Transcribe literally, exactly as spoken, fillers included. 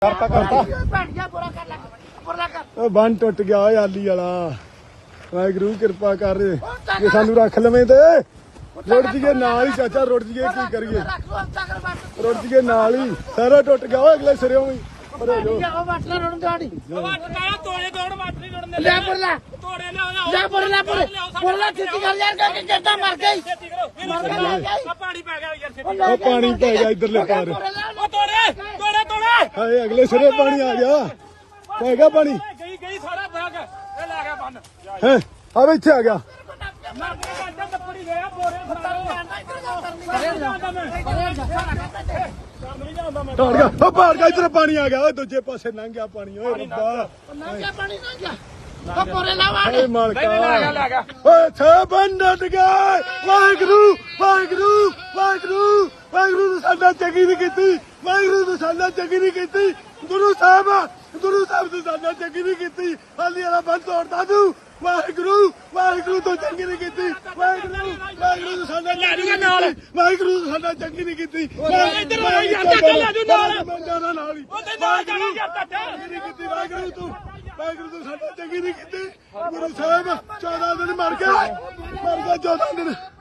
करता करता बन टुट गया आली वाला वाहगुरू कृपा कर जे सानू रख लवें ते रुड़ जीए नाल ही चाचा रुड़ जीए की करिए रुड़ जीए नाल ही सारा टुट गया अगले सिरे ही पानी पै गया इधरले पार अगले सिरे पानी आ गया पै गया पानी है अब इत्थे आ गया इधर पानी आ गया दूजे पासे लंघ गया पानी वाहगुरू वाहगुरू वाहगुरू वाहगुरू साडा चंगी नहीं कीती वाहगुरू साडा चंगी नहीं कीती गुरु साहब गुरु साहब तू साडा चंगी नहीं कीती हाली वाला बंद तोड़ता तू वाहगुरू वाहगुरू तो चंगी नहीं कीती वाहगुरू वाहगुरू तो साडा वाहगुरू तो साडा चंगी नहीं कीती वाहगुरू तू वाहगुरू तो साडा चंगी नहीं कीती गुरु साहब चौदह दिन मर गया मर गया चौदह दिन